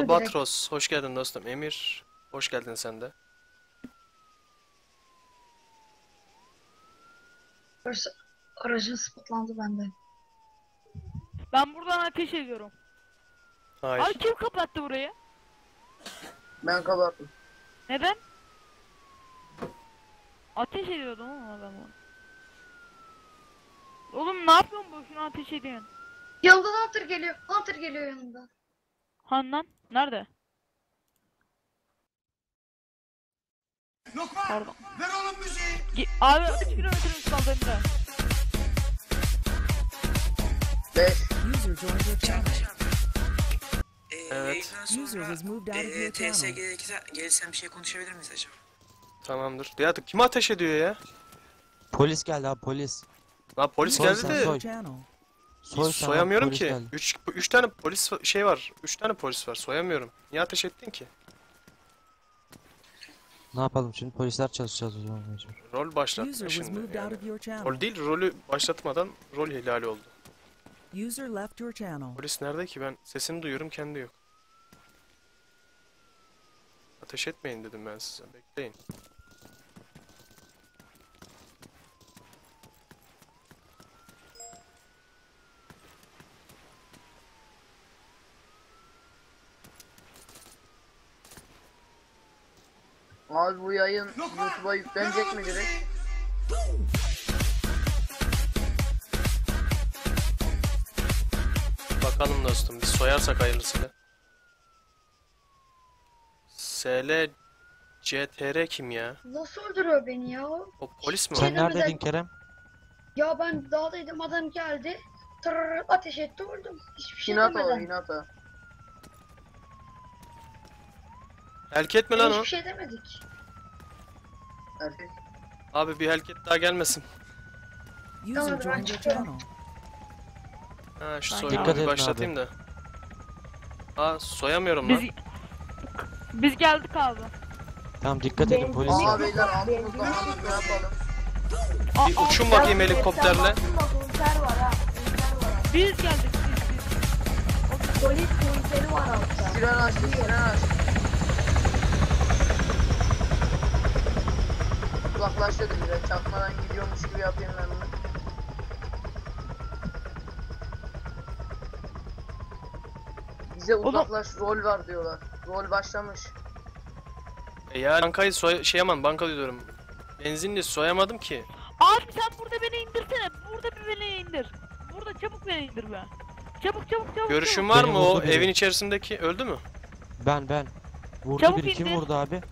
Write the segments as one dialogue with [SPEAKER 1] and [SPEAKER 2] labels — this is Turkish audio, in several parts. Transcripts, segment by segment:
[SPEAKER 1] Albatros, hoş geldin dostum. Emir, hoş geldin sen de.
[SPEAKER 2] Aracın spotlandı bende.
[SPEAKER 3] Ben buradan ateş ediyorum.
[SPEAKER 1] Hayır.
[SPEAKER 3] Abi kim kapattı burayı?
[SPEAKER 4] Ben kapattım.
[SPEAKER 3] Neden? Ateş ediyordum ama adamı. Oğlum ne yapıyorsun boşuna ateş ediyorsun?
[SPEAKER 2] Yanından Hunter geliyor. Hunter geliyor yanında.
[SPEAKER 3] Handan nerede?
[SPEAKER 5] Lokman!
[SPEAKER 3] Pardon.
[SPEAKER 5] Ver oğlum müziği!
[SPEAKER 3] Abi 3 kilometremiz kaldı Emre.
[SPEAKER 4] 5.
[SPEAKER 6] User joined your channel.
[SPEAKER 1] Evet.
[SPEAKER 5] Yayından
[SPEAKER 6] User was moved out of your
[SPEAKER 5] TS
[SPEAKER 6] channel.
[SPEAKER 5] gelsem bir şey konuşabilir miyiz acaba?
[SPEAKER 1] Tamamdır. Ya kim ateş ediyor ya?
[SPEAKER 7] Polis geldi abi polis.
[SPEAKER 1] Lan polis
[SPEAKER 7] Soy
[SPEAKER 1] geldi
[SPEAKER 7] sen,
[SPEAKER 1] de
[SPEAKER 7] soy.
[SPEAKER 6] Channel.
[SPEAKER 7] Soy sen abi,
[SPEAKER 1] soyamıyorum
[SPEAKER 7] polis
[SPEAKER 1] ki.
[SPEAKER 7] geldi.
[SPEAKER 1] 3 tane polis şey var. 3 tane polis var. Soyamıyorum. Niye ateş ettin ki?
[SPEAKER 7] Ne yapalım şimdi polisler çalışacağız o zaman mecbur.
[SPEAKER 1] Rol
[SPEAKER 6] User
[SPEAKER 1] başlattın
[SPEAKER 6] was
[SPEAKER 1] şimdi.
[SPEAKER 6] moved
[SPEAKER 1] Yani.
[SPEAKER 6] out of your channel.
[SPEAKER 1] Rol değil, rolü başlatmadan rol ihlali oldu.
[SPEAKER 6] User left your channel.
[SPEAKER 1] Polis nerede ki? Ben sesini duyuyorum, kendi yok. Ateş etmeyin dedim ben size. Bekleyin.
[SPEAKER 4] Abi bu yayın YouTube'a yüklenecek mi direkt?
[SPEAKER 1] Bakalım dostum, biz soyarsak hayırlısıyla. SL CTR kim ya?
[SPEAKER 2] Nasıl öldürüyor beni ya?
[SPEAKER 1] O polis mi o?
[SPEAKER 7] Sen
[SPEAKER 2] Şeyden
[SPEAKER 7] neredeydin
[SPEAKER 2] özel-
[SPEAKER 7] Kerem?
[SPEAKER 2] Ya ben dağdaydım, adam geldi. Tırrrr ateş etti, öldüm. Hiçbir şey
[SPEAKER 4] Hinata o
[SPEAKER 2] demeden.
[SPEAKER 4] Hinata.
[SPEAKER 1] Helket mi lan o?
[SPEAKER 2] Hiçbir şey demedik.
[SPEAKER 4] Erkek.
[SPEAKER 1] Abi bir helket daha gelmesin.
[SPEAKER 6] User
[SPEAKER 2] Tamam, ben
[SPEAKER 6] joined your
[SPEAKER 2] çıkıyorum.
[SPEAKER 6] channel.
[SPEAKER 1] Ha şu
[SPEAKER 3] Ben
[SPEAKER 1] soygunu
[SPEAKER 7] dikkat
[SPEAKER 1] bir
[SPEAKER 7] edin
[SPEAKER 1] başlatayım
[SPEAKER 7] abi.
[SPEAKER 1] da. Ha soyamıyorum
[SPEAKER 3] Biz
[SPEAKER 1] lan.
[SPEAKER 3] biz geldik abi.
[SPEAKER 7] Tamam dikkat edin polis
[SPEAKER 4] Aa
[SPEAKER 7] var.
[SPEAKER 4] beyler altımızda Hamit ne yapalım?
[SPEAKER 1] Bir uçun bakayım helikopterle.
[SPEAKER 3] Biz geldik.
[SPEAKER 2] Polis polisleri var altta.
[SPEAKER 4] Siren açtı siren açtı. Uzaklaştırdım direkt çakmadan gidiyormuş gibi yapayım ben bunu. Bize uzaklaş rol var diyorlar. Rol başlamış.
[SPEAKER 1] Ya bankayı şeyamam, banka diyorum. Benzinli soyamadım ki.
[SPEAKER 3] Abi sen burada beni indirsene. Burada bir beni indir. Burada çabuk beni indir be. Çabuk.
[SPEAKER 1] Görüşün
[SPEAKER 3] çabuk.
[SPEAKER 1] var
[SPEAKER 7] Beni
[SPEAKER 1] mı o
[SPEAKER 7] vurdu biri.
[SPEAKER 1] evin içerisindeki? Öldü mü?
[SPEAKER 7] Ben. Vurdu
[SPEAKER 3] Çabuk
[SPEAKER 7] biri kim
[SPEAKER 3] indir.
[SPEAKER 7] vurdu abi?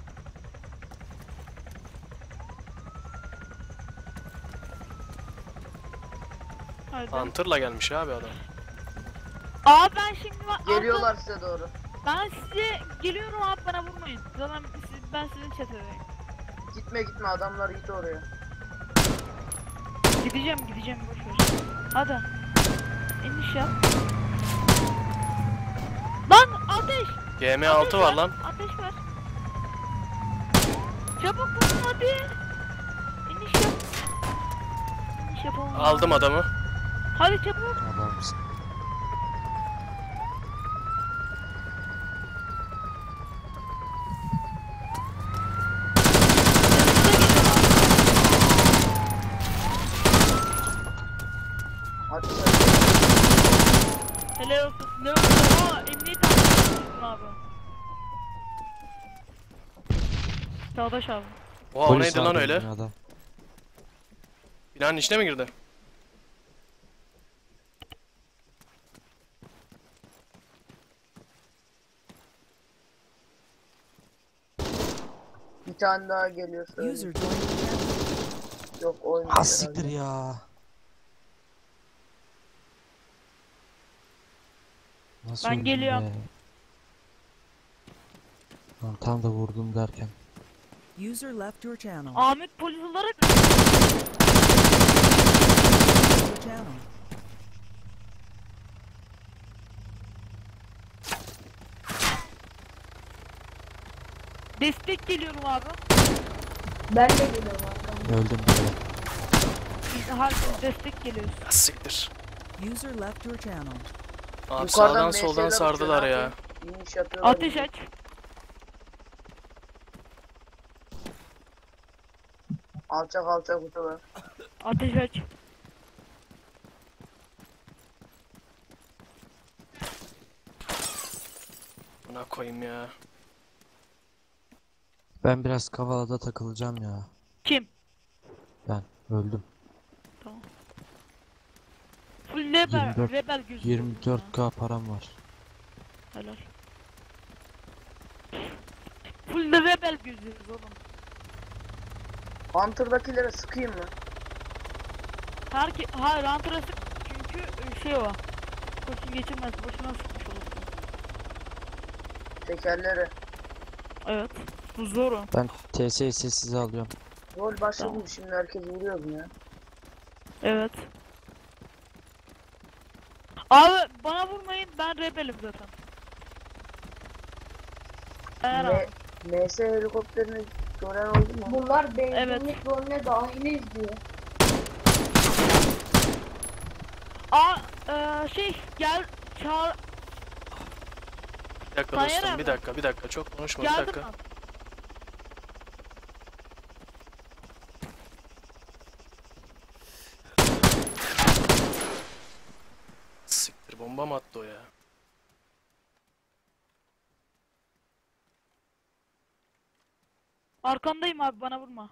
[SPEAKER 3] Hadi.
[SPEAKER 1] Hunter'la gelmiş abi adam.
[SPEAKER 3] Abi ben şimdi
[SPEAKER 4] Geliyorlar size doğru.
[SPEAKER 3] Ben size geliyorum abi, bana vurmayın. Zaten ben sizin çetedeyim.
[SPEAKER 4] Gitme adamlar git oraya.
[SPEAKER 3] Gideceğim boş ver. Hadi. İniş yap. Lan ateş!
[SPEAKER 1] GM6 var lan.
[SPEAKER 3] Ateş ver. Çabuk vurun hadi. İniş yap. İniş yapalım.
[SPEAKER 1] Aldım adamı.
[SPEAKER 3] Hadi çabuk.
[SPEAKER 7] Adamsın.
[SPEAKER 4] Hadi
[SPEAKER 3] Helal olsun. Ne oldu? Aa, emniyet almışsın abi. Çağdaş abi.
[SPEAKER 1] Oha o
[SPEAKER 7] Polis
[SPEAKER 1] neydi lan
[SPEAKER 7] vardı
[SPEAKER 1] öyle?
[SPEAKER 7] binada.
[SPEAKER 1] Binanın içine mi girdi?
[SPEAKER 4] bir tane daha geliyor
[SPEAKER 6] User
[SPEAKER 4] söyle.
[SPEAKER 6] joined your channel.
[SPEAKER 4] Yok oynuyor.
[SPEAKER 7] Ha siktir ya. Nasıl
[SPEAKER 3] Ben
[SPEAKER 7] öldüm
[SPEAKER 3] geliyorum.
[SPEAKER 7] be? Lan tam da vurdum derken.
[SPEAKER 6] User left your channel.
[SPEAKER 3] Ahmet polis olarak
[SPEAKER 6] Your channel.
[SPEAKER 3] destek geliyorum abi.
[SPEAKER 2] Ben de geliyorum arkamda.
[SPEAKER 7] Öldüm bile.
[SPEAKER 3] Biz herkes destek geliyoruz.
[SPEAKER 1] Ha, siktir.
[SPEAKER 6] User left your channel.
[SPEAKER 1] Abi
[SPEAKER 4] Yukarıdan
[SPEAKER 1] sağdan
[SPEAKER 4] MS'ler
[SPEAKER 1] soldan
[SPEAKER 4] uçuyor,
[SPEAKER 1] sardılar
[SPEAKER 4] ne
[SPEAKER 1] ya.
[SPEAKER 4] yapayım? İniş yapıyorlar.
[SPEAKER 3] Ateş aç.
[SPEAKER 4] Alçak alçak uçuyorlar.
[SPEAKER 3] Ateş aç.
[SPEAKER 1] Buna koyayım ya.
[SPEAKER 7] Ben biraz Kavala'da takılacağım ya.
[SPEAKER 3] Kim?
[SPEAKER 7] Ben öldüm.
[SPEAKER 3] Tamam. Full rebel,
[SPEAKER 7] 24
[SPEAKER 3] rebel gözü.
[SPEAKER 7] 24k param var.
[SPEAKER 3] Helal. Full de rebel gözüyoruz oğlum.
[SPEAKER 4] Hunter'dakilere sıkayım mı?
[SPEAKER 3] Hayır Hunter'a sık çünkü şey o. Kurşun geçirmez. Boşuna sıkmış olursun.
[SPEAKER 4] Tekerlere.
[SPEAKER 3] Evet. Bu zor o.
[SPEAKER 7] Ben TS'yi sessize alıyorum.
[SPEAKER 4] Rol başladı
[SPEAKER 3] Tamam.
[SPEAKER 4] şimdi herkes vuruyor mu ya?
[SPEAKER 3] Evet. Abi bana vurmayın, ben rebelim zaten. Eğer
[SPEAKER 4] Ne?
[SPEAKER 3] abi.
[SPEAKER 4] MS helikopterini gören oldu mu?
[SPEAKER 2] Bunlar benzinlik
[SPEAKER 3] Evet.
[SPEAKER 2] rolüne dahiliz diyor.
[SPEAKER 3] Gel çağır.
[SPEAKER 1] Bir dakika
[SPEAKER 3] Tayyar
[SPEAKER 1] dostum,
[SPEAKER 3] abi.
[SPEAKER 1] bir dakika. Çok konuşma, bir
[SPEAKER 3] Geldim
[SPEAKER 1] dakika.
[SPEAKER 3] ben.
[SPEAKER 1] Siktir, bomba mı attı o ya?
[SPEAKER 3] Arkandayım abi, bana vurma.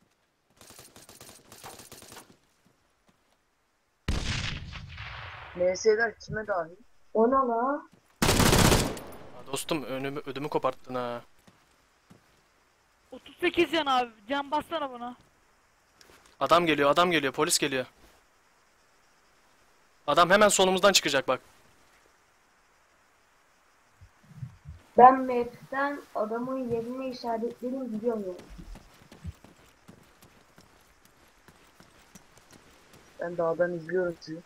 [SPEAKER 4] MS'ler kime dahil?
[SPEAKER 2] O ne la?
[SPEAKER 1] Ha, dostum ödümü koparttın ha.
[SPEAKER 3] 38 can abi, can bassana bana.
[SPEAKER 1] Adam geliyor, polis geliyor. Adam hemen solumuzdan çıkacak bak.
[SPEAKER 2] Ben map'ten adamın yerini işaretledim biliyorum ya.
[SPEAKER 4] Ben dağdan izliyorum sizi.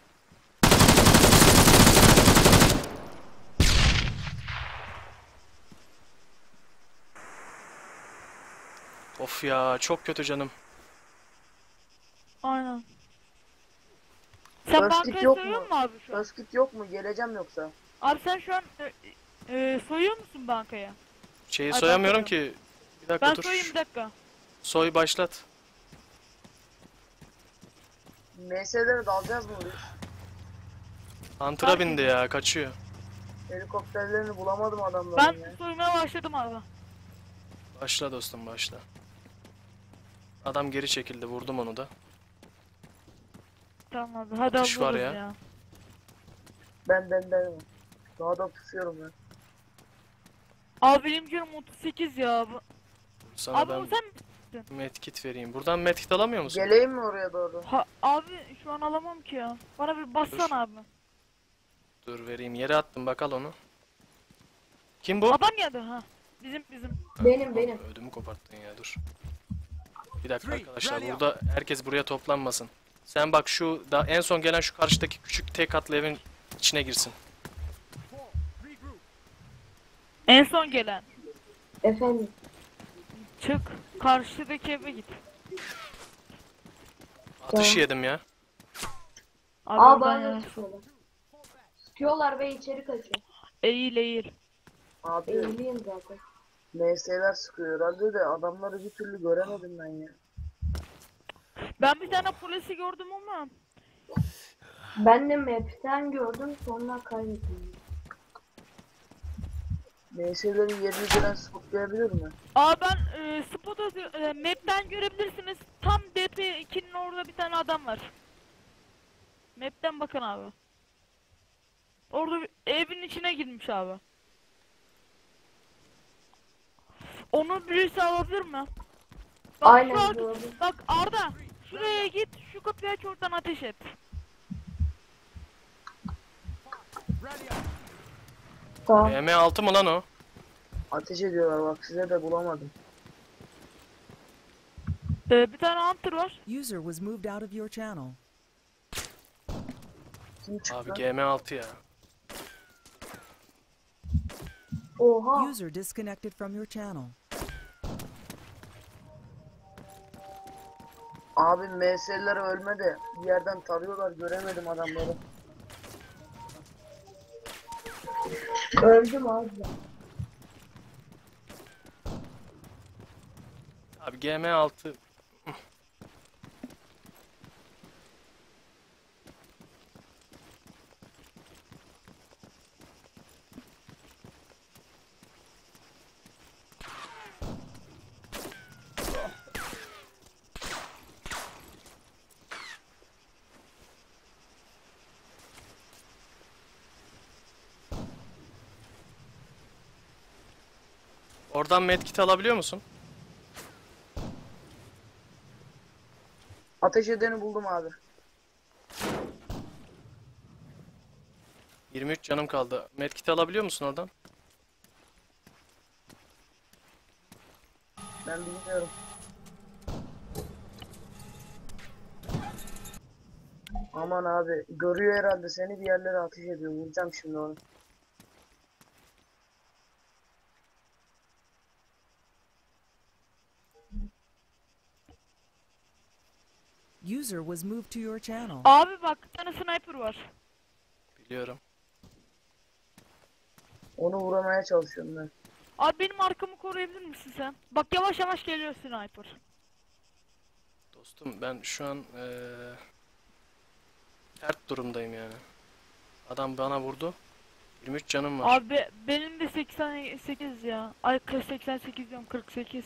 [SPEAKER 1] Of ya, çok kötü canım.
[SPEAKER 3] Aynen. Sen
[SPEAKER 4] First kit
[SPEAKER 3] bankaya
[SPEAKER 4] yok
[SPEAKER 3] soyuyor
[SPEAKER 4] mu?
[SPEAKER 3] musun abi şu an?
[SPEAKER 4] First kit yok mu? Geleceğim yoksa.
[SPEAKER 3] Abi sen şu an soyuyor musun bankaya?
[SPEAKER 1] Şeyi
[SPEAKER 3] Ay,
[SPEAKER 1] soyamıyorum
[SPEAKER 3] ben
[SPEAKER 1] ki. Bir dakika
[SPEAKER 3] Ben
[SPEAKER 1] dur.
[SPEAKER 3] soyayım bir dakika.
[SPEAKER 1] Soy başlat.
[SPEAKER 4] MS'lere dalacağız mı biz?
[SPEAKER 1] Hunter'a
[SPEAKER 3] Fark
[SPEAKER 1] bindi
[SPEAKER 3] ediyor.
[SPEAKER 1] ya, kaçıyor.
[SPEAKER 4] Helikopterlerini bulamadım adamların
[SPEAKER 3] Ben
[SPEAKER 4] ya.
[SPEAKER 3] soymaya başladım abi.
[SPEAKER 1] Başla dostum, başla. Adam geri çekildi, vurdum onu da.
[SPEAKER 3] Tamam abi, hadi
[SPEAKER 1] Atış var
[SPEAKER 3] alırız
[SPEAKER 1] ya.
[SPEAKER 3] ya.
[SPEAKER 4] Ben. Dağda pusuyorum ben.
[SPEAKER 3] Abi benim canım 38 ya.
[SPEAKER 1] Sana
[SPEAKER 3] Abi
[SPEAKER 1] ben
[SPEAKER 3] o sen...
[SPEAKER 1] medkit vereyim. Buradan medkit alamıyor musun?
[SPEAKER 4] Geleyim mi oraya doğru?
[SPEAKER 3] Abi şu an alamam ki ya. Bana bir bassana
[SPEAKER 1] Dur.
[SPEAKER 3] abi.
[SPEAKER 1] Dur vereyim. Yere attım, bak al onu. Kim bu?
[SPEAKER 3] Adam geldi ha. Bizim.
[SPEAKER 2] Benim.
[SPEAKER 1] Ödümü koparttın ya, dur. Bir dakika arkadaşlar, burada herkes buraya toplanmasın. Sen bak şu da en son gelen şu karşıdaki küçük tek katlı evin içine girsin.
[SPEAKER 3] En son gelen.
[SPEAKER 2] Efendim.
[SPEAKER 3] Çık. Karşıdaki eve git.
[SPEAKER 1] Atış
[SPEAKER 2] Tamam.
[SPEAKER 1] yedim ya.
[SPEAKER 3] Abi
[SPEAKER 2] Aa
[SPEAKER 3] oradan
[SPEAKER 2] bana
[SPEAKER 3] ya.
[SPEAKER 2] sıkıyorlar. Sıkıyorlar ve içeri kaçıyor.
[SPEAKER 3] Eğil.
[SPEAKER 4] Abi
[SPEAKER 2] Eğiliyim zaten.
[SPEAKER 4] MS'ler sıkıyor herhalde de adamları bir türlü göremedim ben ya.
[SPEAKER 3] Ben bir tane polisi gördüm ama.
[SPEAKER 2] Ben de map'ten gördüm sonra kaybettim.
[SPEAKER 4] MS'lerin yerini gören spotlayabilir mi?
[SPEAKER 3] Aa ben map'ten görebilirsiniz. Tam DP2'nin orada bir tane adam var. Map'ten bakın abi. Orada evin içine girmiş abi. Onu birisi alabilir mi? Bak,
[SPEAKER 2] Aynen
[SPEAKER 3] şu
[SPEAKER 2] gördüm.
[SPEAKER 3] bak Arda, şuraya git, şu kapıyı aç, oradan ateş et.
[SPEAKER 2] Tamam.
[SPEAKER 1] M6 mı lan o?
[SPEAKER 4] Ateş ediyorlar bak size de bulamadım.
[SPEAKER 3] Bir tane hunter var.
[SPEAKER 6] User was moved out of your channel.
[SPEAKER 4] Kim çıktı?
[SPEAKER 1] Abi GM6 ya.
[SPEAKER 2] Oha.
[SPEAKER 6] User disconnected from your channel.
[SPEAKER 4] Abi MS'ler ölme de bir yerden tarıyorlar göremedim adamları.
[SPEAKER 2] Öldüm abi.
[SPEAKER 1] Abi GM6 Oradan medkit alabiliyor musun?
[SPEAKER 4] Ateş edeni buldum abi.
[SPEAKER 1] 23 canım kaldı. Medkit alabiliyor musun oradan?
[SPEAKER 4] Ben bilmiyorum. Aman abi görüyor herhalde seni, bir yerlere ateş ediyor. Vuracağım şimdi onu.
[SPEAKER 6] User was moved to your channel.
[SPEAKER 3] Abi bak bir tane sniper var.
[SPEAKER 1] Biliyorum.
[SPEAKER 4] Onu vuramaya çalışıyorum ben.
[SPEAKER 3] Abi benim arkamı koruyabilir misin sen? Bak yavaş yavaş geliyor sniper.
[SPEAKER 1] Dostum ben şu an sert durumdayım yani. Adam bana vurdu. 23 canım var.
[SPEAKER 3] Abi benim de 88 ya. Ay 88 diyorum 48.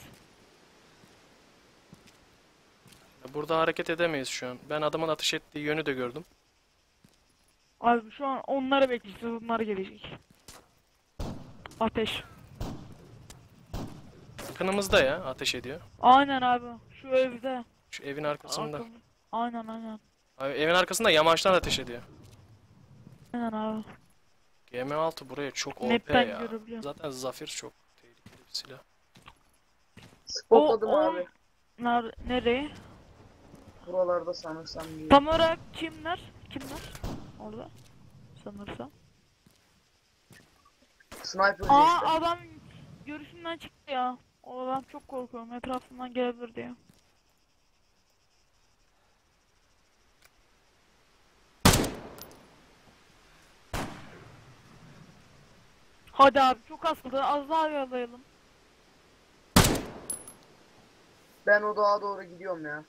[SPEAKER 1] Burada hareket edemeyiz şu an. Ben adamın ateş ettiği yönü de gördüm.
[SPEAKER 3] Abi şu an onları bekleyeceğiz. Onlar gelecek. Ateş.
[SPEAKER 1] Yakınımızda ya ateş ediyor.
[SPEAKER 3] Aynen abi. Şu evde.
[SPEAKER 1] Şu evin arkasında.
[SPEAKER 3] Aynen aynen.
[SPEAKER 1] Abi, evin arkasında yamaçtan ateş ediyor.
[SPEAKER 3] Aynen abi.
[SPEAKER 1] GM6 buraya çok OP
[SPEAKER 3] Map'ten
[SPEAKER 1] ya.
[SPEAKER 3] görebiliyorum.
[SPEAKER 1] Zaten Zafir çok tehlikeli bir silah.
[SPEAKER 4] Spotladım
[SPEAKER 3] O-
[SPEAKER 4] abi.
[SPEAKER 3] Nereye?
[SPEAKER 4] Buralarda sanırsam diye.
[SPEAKER 3] Tam olarak kimler? Kimler? Orada. Sanırsam.
[SPEAKER 4] Sniper
[SPEAKER 3] Aa
[SPEAKER 4] işte.
[SPEAKER 3] adam görüşümden çıktı ya. O adam çok korkuyorum. Etrafından gelebilir diye. Hadi abi çok az kaldı. Az daha yollayalım.
[SPEAKER 4] Ben o dağa doğru gidiyorum ya.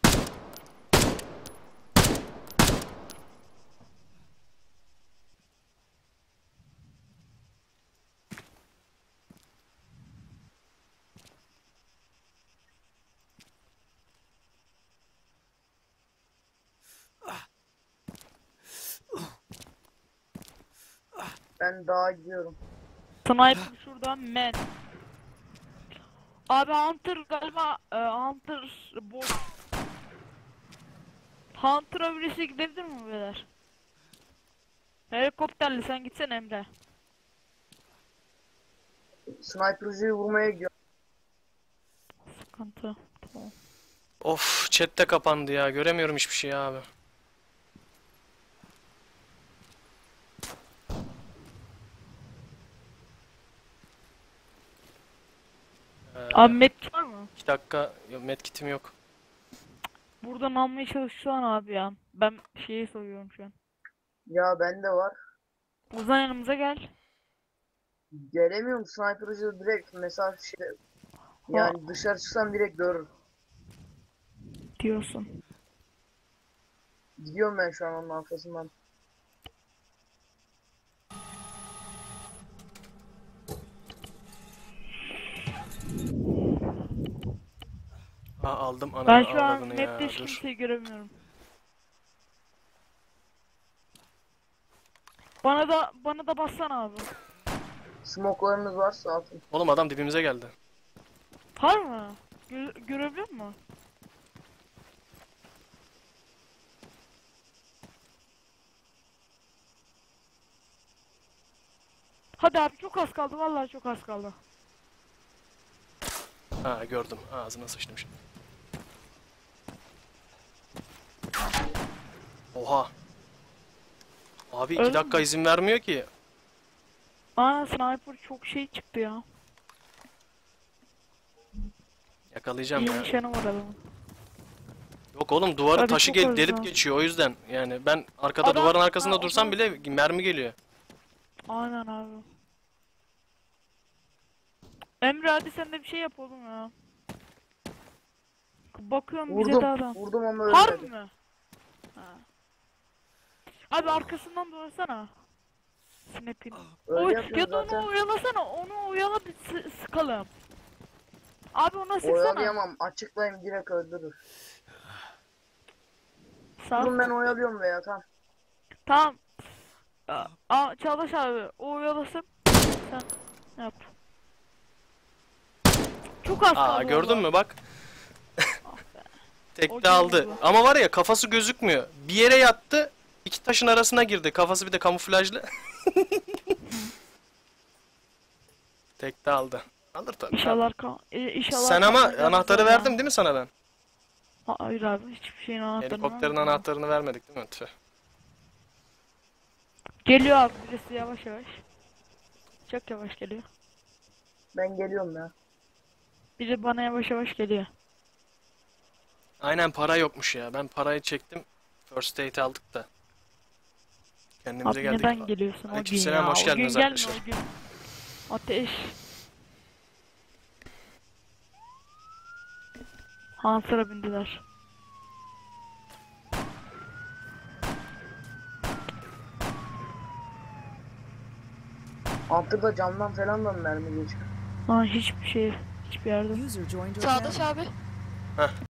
[SPEAKER 4] Ben dağa gidiyorum.
[SPEAKER 3] Sniper şurada men. Abi Hunter galiba Hunter bot. Hunter'a birisi gidebilir mi beyler? Helikopterli sen gitsen Emre.
[SPEAKER 4] Sniper'cıyı vurmaya gidiyorum.
[SPEAKER 3] Sıkıntı. Tamam.
[SPEAKER 1] Of chatte kapandı ya. Göremiyorum hiçbir şey abi.
[SPEAKER 3] Abi met var mı?
[SPEAKER 1] 2 dakika medkitim yok.
[SPEAKER 3] Buradan almaya çalışsan abi ya. Ben şeyi soruyorum şu an.
[SPEAKER 4] Ya bende var.
[SPEAKER 3] Ozan yanımıza gel.
[SPEAKER 4] Gelemiyorum, sniper'cı direkt mesafe şey. Yani dışarı çıksam direkt görür.
[SPEAKER 3] Diyorsun.
[SPEAKER 4] Gidiyorum ben şu an onun arkasından.
[SPEAKER 1] Ha aldım
[SPEAKER 3] Ben
[SPEAKER 1] ananı
[SPEAKER 3] şu an
[SPEAKER 1] avradını ya.
[SPEAKER 3] map'te hiç
[SPEAKER 1] Dur.
[SPEAKER 3] kimseyi göremiyorum. Bana da bassana abi.
[SPEAKER 4] Smoke'larınız varsa atın.
[SPEAKER 1] Oğlum adam dibimize geldi.
[SPEAKER 3] Var mı? Görebiliyor musun? Hadi abi çok az kaldı vallahi çok az kaldı.
[SPEAKER 1] Ha gördüm. Ağzına sıçtım şimdi. Oha. Abi 2
[SPEAKER 3] Öyle
[SPEAKER 1] dakika
[SPEAKER 3] mi?
[SPEAKER 1] izin vermiyor ki.
[SPEAKER 3] Aa sniper çok şey çıktı ya.
[SPEAKER 1] Yakalayacağım
[SPEAKER 3] İyi
[SPEAKER 1] ya.
[SPEAKER 3] nişanı var adamın.
[SPEAKER 1] Yok oğlum duvarı
[SPEAKER 3] Abi
[SPEAKER 1] taşı
[SPEAKER 3] çok az
[SPEAKER 1] delip
[SPEAKER 3] ya.
[SPEAKER 1] geçiyor o yüzden. Yani ben arkada
[SPEAKER 3] Adam-
[SPEAKER 1] duvarın arkasında
[SPEAKER 3] Ha,
[SPEAKER 1] dursam
[SPEAKER 3] adam-
[SPEAKER 1] bile mermi geliyor.
[SPEAKER 3] Aynen abi. Emre hadi sen de bir şey yap oğlum ya. Bakıyorum bize de
[SPEAKER 4] Vurdum.
[SPEAKER 3] adam.
[SPEAKER 4] Vurdum ama
[SPEAKER 3] Harbi
[SPEAKER 4] ölmedi.
[SPEAKER 3] mi? Ha. Abi arkasından dönsene. Snap'in.
[SPEAKER 4] Öyle
[SPEAKER 3] Oy,
[SPEAKER 4] yapıyorum
[SPEAKER 3] ya da
[SPEAKER 4] zaten.
[SPEAKER 3] onu oyalasana. Onu oyala bir sıkalım. Abi ona sıksana.
[SPEAKER 4] Oyalayamam. Açıklayayım direkt öldürür.
[SPEAKER 3] Sağ.
[SPEAKER 4] Durun ben oyalıyorum veya tamam.
[SPEAKER 3] Tamam. Çağdaş abi o oyalasın. Sen yap. Çok az
[SPEAKER 1] Aa
[SPEAKER 3] kaldı
[SPEAKER 1] gördün
[SPEAKER 3] vallahi.
[SPEAKER 1] mü bak.
[SPEAKER 3] Ah be. O
[SPEAKER 1] Tekte aldı.
[SPEAKER 3] girdi.
[SPEAKER 1] Ama var ya kafası gözükmüyor. Bir yere yattı. İki taşın arasına girdi. Kafası bir de kamuflajlı. Tekte aldı. Alır tabii.
[SPEAKER 3] İnşallah
[SPEAKER 1] Sen ama
[SPEAKER 3] kalmayacağız
[SPEAKER 1] anahtarı
[SPEAKER 3] ya.
[SPEAKER 1] verdim değil mi sana ben?
[SPEAKER 3] Hayır abi hiçbir şeyin anahtarını
[SPEAKER 1] Helikopterin
[SPEAKER 3] vermedim.
[SPEAKER 1] anahtarını vermedik değil mi? Tüh.
[SPEAKER 3] Geliyor abi birisi yavaş yavaş. Çok yavaş geliyor.
[SPEAKER 4] Ben geliyorum ya.
[SPEAKER 3] Biri bana yavaş yavaş geliyor.
[SPEAKER 1] Aynen para yokmuş ya. Ben parayı çektim. First aid aldık da. Kendimize
[SPEAKER 3] Abi
[SPEAKER 1] geldik.
[SPEAKER 3] neden geliyorsun o gün
[SPEAKER 1] Aleykümselam,
[SPEAKER 3] ya?
[SPEAKER 1] hoş
[SPEAKER 3] O gün
[SPEAKER 1] geldiniz
[SPEAKER 3] gelme
[SPEAKER 1] arkadaşlar.
[SPEAKER 3] o gün. Ateş. Hansır'a bindiler.
[SPEAKER 4] Altıda camdan falan da mı mermi geçiyor?
[SPEAKER 3] Lan hiçbir şey, hiçbir yerde.
[SPEAKER 6] User joined your
[SPEAKER 8] Çağdaş
[SPEAKER 6] channel.
[SPEAKER 8] abi.